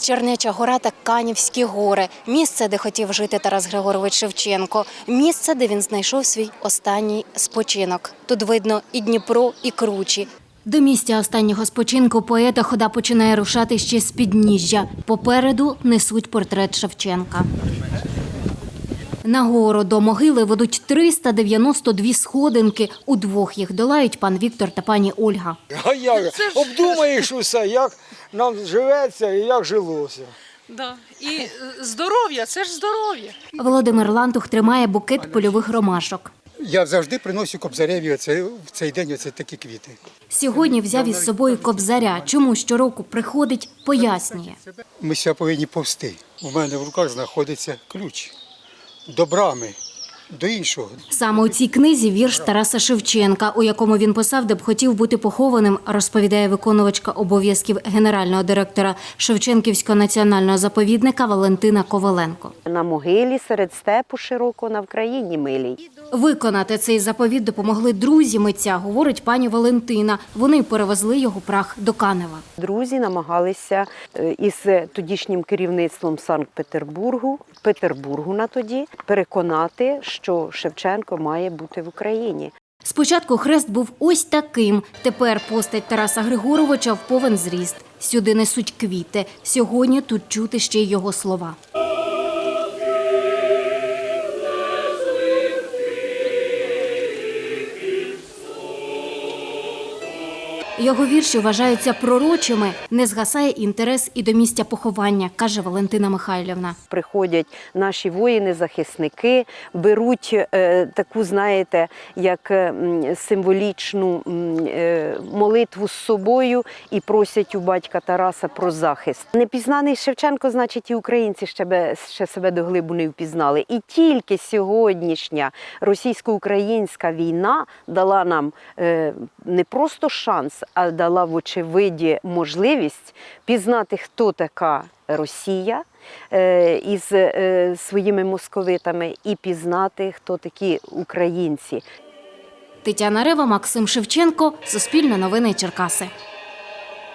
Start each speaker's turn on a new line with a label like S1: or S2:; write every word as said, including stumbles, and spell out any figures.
S1: Чернеча гора та Канівські гори – місце, де хотів жити Тарас Григорович Шевченко. Місце, де він знайшов свій останній спочинок. Тут видно і Дніпро, і кручі. До місця останнього спочинку поета хода починає рушати ще з підніжжя. Попереду несуть портрет Шевченка. Нагору до могили ведуть триста дев'яносто дві сходинки. Удвох їх долають пан Віктор та пані Ольга.
S2: А як? Обдумаєш усе, як нам живеться і як жилося.
S3: Да. І здоров'я – це ж здоров'я.
S1: Володимир Лантух тримає букет польових ромашок.
S4: Я завжди приношу Кобзареві оце, в цей день оце такі квіти.
S1: Сьогодні взяв із собою Кобзаря. Чому щороку приходить, пояснює.
S4: Ми ще повинні повсти. У мене в руках знаходиться ключ до брами, до іншого.
S1: Саме у цій книзі вірш Тараса Шевченка, у якому він писав, де б хотів бути похованим, розповідає виконувачка обов'язків генерального директора Шевченківського національного заповідника Валентина Коваленко.
S5: На могилі серед степу широко на Вкраїні милій.
S1: Виконати цей заповіт допомогли друзі митця, говорить пані Валентина. Вони перевезли його прах до Канева.
S5: Друзі намагалися із тодішнім керівництвом Санкт-Петербургу, Петербургу на тоді, переконати, що Шевченко має бути в Україні.
S1: Спочатку хрест був ось таким. Тепер постать Тараса Григоровича в повен зріст. Сюди несуть квіти. Сьогодні тут чути ще й його слова. Його вірші вважаються пророчими. Не згасає інтерес і до місця поховання, каже Валентина Михайлівна.
S5: Приходять наші воїни-захисники, беруть е, таку, знаєте, як е, символічну е, молитву з собою і просять у батька Тараса про захист. Непізнаний Шевченко, значить, і українці ще, ще себе до глибу не впізнали. І тільки сьогоднішня російсько-українська війна дала нам е, не просто шанс, а дала в очевиді можливість пізнати, хто така Росія е, із е, своїми московитами, і пізнати, хто такі українці.
S1: Тетяна Рева, Максим Шевченко, Суспільне новини Черкаси.